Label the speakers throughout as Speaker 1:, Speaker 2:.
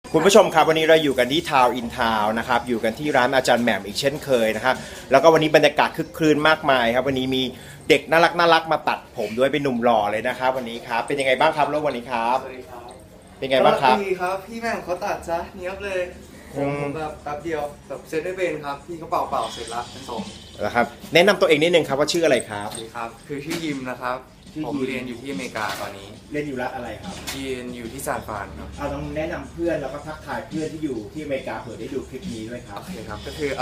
Speaker 1: คุณผู้ชมครับวันนี้เราอยู่กันที่ทาวน์อินทาวน์นะครับอยู่กันที่ร้านอาจารย์แหม่มอีกเช่นเคยนะครับแล้วก็วันนี้บรรยากาศคึกครื้นมากมายครับวันนี้มีเด็กน่ารักมาตัดผมด้วยเป็นหนุ่มหล่อเลยนะครับวันนี้ครับเป็นยังไงบ้างครับแล้ววันนี้ครับ
Speaker 2: สวัสดีครับ
Speaker 1: เป็นไงบ้างครับ
Speaker 2: ดีครับพี่แม่งเขาตัดซะเนี้ยบเลยผมแบบแป๊บเดียวแบบเซตได้เป็นครับพี่เขาเป่าเสร็จแล้วเป็นทรง
Speaker 1: นะครับแนะนำตัวเองนิดนึงครับว่าชื่ออะไรครับ
Speaker 2: สวัสดีครับคือชื่อยิมนะครับ
Speaker 1: ชื่อยิม
Speaker 2: ผมเรียนอยู่ที่อเมริกาตอนนี้
Speaker 1: เล่นอยู่รัฐอะไรครับ
Speaker 2: เรียนอยู่ที่ซานฟรานครับ
Speaker 1: เอาต้องแนะนำเพื่อนแล้วก็ทักทายเพื่อนที่อยู่ที่อเมริกาเผื่อได้ดูคลิปนี้ด้วยครั
Speaker 2: โอบ เคครับก็คือ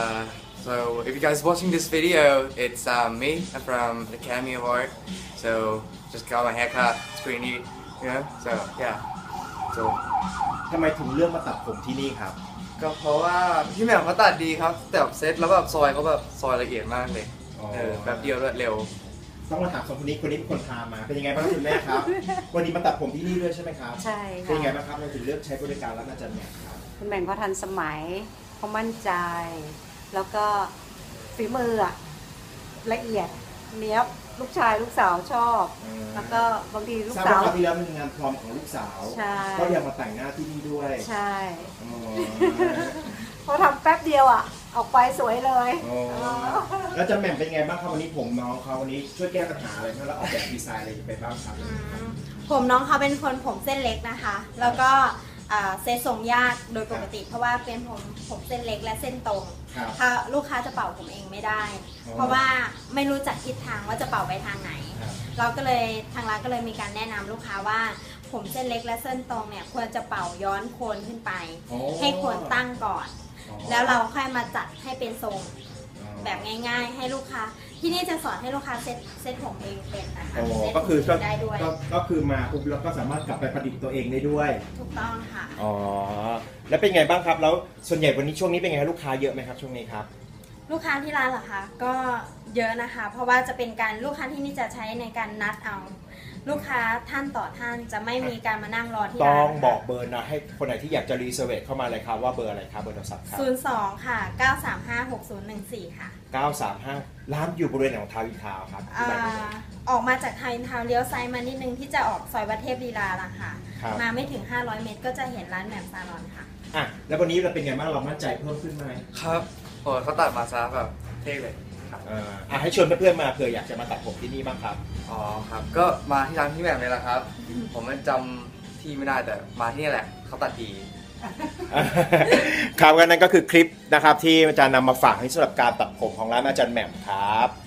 Speaker 2: so if you guys watching this video it's me I'm from the Academy of Art so just got my haircut it's pretty neat you know so yeah so
Speaker 1: ทำไมถึงเลือกมาตัดผมที่นี่ครับ
Speaker 2: ก็เพราะว่าพี่แหม่มเขาตัดดีครับแต่แบบเซตแล้วแบบซอยเขาแบบซอยละเอียดมากเลย
Speaker 1: อ๋อ
Speaker 2: แป๊บเดียวรวดเร็ว
Speaker 1: ต้องมาถามสองคนนี้เป็นคนพามาเป็นยังไงบ้างคุณแม่ครับ วันนี้มาตัดผมที่นี่ด้วยใช่ไหมครับ
Speaker 3: ใช่
Speaker 1: เป็นยังไง
Speaker 3: ค่ะ
Speaker 1: บ้างครับเราถึงเลือกใช้บริการร้านอาจารย์แหม่มครับ
Speaker 3: คุณแม่งเขาทันสมัยเขามั่นใจ แล้วก็ฝีมืออะละเอียดเนี้ยบลูกชายลูกสาวชอบ แล้วก็บางทีลูก
Speaker 1: ทราบ
Speaker 3: สา
Speaker 1: ว่าว คราวที่แล้วเป็นงานพร้อมของลูกสาว
Speaker 3: ใช่
Speaker 1: ก็ยังมาแต่งหน้าที่นี่ด้วย
Speaker 3: ใช่
Speaker 1: อ๋อ
Speaker 3: เขาทำแป๊บเดียวอ่ะ ออกไปสวยเลย
Speaker 1: อ๋อแล้วอาจารย์แหม่มเป็นยังไงบ้างครับวันนี้ผมน้องเขาวันนี้ช่วยแก้ปัญหาอะไรบ้างแล้วออกแบบดีไซน์อะไรไปบ้างครับ
Speaker 4: ผมน้องเขาเป็นคนผมเส้นเล็กนะคะ แล้วก็เซตทรงยากโดยปกติ เพราะว่าเป็นผมเส้นเล็กและเส้นตรง
Speaker 1: ครับ
Speaker 4: ถ้าลูกค้าจะเป่าผมเองไม่ได้
Speaker 1: อ๋อ
Speaker 4: เพราะว่าไม่รู้จักทิศทางว่าจะเป่าไปทางไหน
Speaker 1: ครับ
Speaker 4: เราก็เลยทางร้านก็เลยมีการแนะนำลูกค้าว่า ผมเส้นเล็กและเส้นตรงเนี่ยควรจะเป่าย้อนโคนขึ้นไป
Speaker 1: โอ้
Speaker 4: ให้โคนตั้งก่อน
Speaker 1: อ๋อ
Speaker 4: แล้วเราค่อยมาจัดให้เป็นทรง
Speaker 1: อ๋อ
Speaker 4: แบบง่าย ๆ ให้ลูกค้า ที่นี่จะสอนให้ลูกค้าเซตผมเองเป็นนะคะ
Speaker 1: โอ้
Speaker 4: เซต
Speaker 1: ก็คือ
Speaker 4: ผมได้ด้วย
Speaker 1: ก็คือมาปุ๊บแล้วก็สามารถกลับไปประดิษฐ์ตัวเองได้ด้วย
Speaker 4: ถูกต้องค่ะ
Speaker 1: อ๋อแล้วเป็นไงบ้างครับแล้วส่วนใหญ่วันนี้ช่วงนี้เป็นไงครับลูกค้าเยอะไหมครับช่วงนี้ครับ
Speaker 4: ลูกค้าที่ร้านเหรอคะก็เยอะนะคะ เพราะว่าจะเป็นการลูกค้าที่นี่จะใช้ในการนัดเอา ลูกค้าท่านต่อท่านจะไม่มีการมานั่งรอที่
Speaker 1: ต้
Speaker 4: ร้า
Speaker 1: อน ง
Speaker 4: นะคะ
Speaker 1: บอกเบอร์นะให้คนไหนที่อยากจะรีเซอร์เวทเข้ามาเลยครับว่าเบอร์อะไรครับเบอร์โทรศัพท์ครับ
Speaker 4: 02 ค่ะ 935 6014 ค่ะ
Speaker 1: 935ร้านอยู่บริเวณไหนของทาวน์อินทาวน์ครับที่ไหนเอ่ย
Speaker 4: ออกมาจากไทยทาวน์เลี้ยวซ้ายมานิดนึงที่จะออกซอยวัดเทพลีลาละค่ะ
Speaker 1: ครับ
Speaker 4: มาไม่ถึง 500 เมตรก็จะเห็นร้านแหม่มซาลอนค่ะ
Speaker 1: อ่ะแล้ววันนี้เราเป็นไงบ้างเรามั่นใจเพิ่มขึ้นไหม
Speaker 2: ครับโอ้เขาตัดมาซะแบบเท่เลยครับ
Speaker 1: ให้ชวนเพื่อนๆมาเผื่ออยากจะมาตัดผมที่นี่บ้างครับ
Speaker 2: อ๋อครับก็มาที่ร้านพี่แหม่มเลยแหละครับ ผมมันจำที่ไม่ได้แต่มาที่นี่แหละเขาตัดดี
Speaker 1: ครับงั้นนั่นก็คือคลิปนะครับที่อาจารย์นำมาฝากให้สำหรับการตัดผมของร้านอาจารย์แหม่มครับ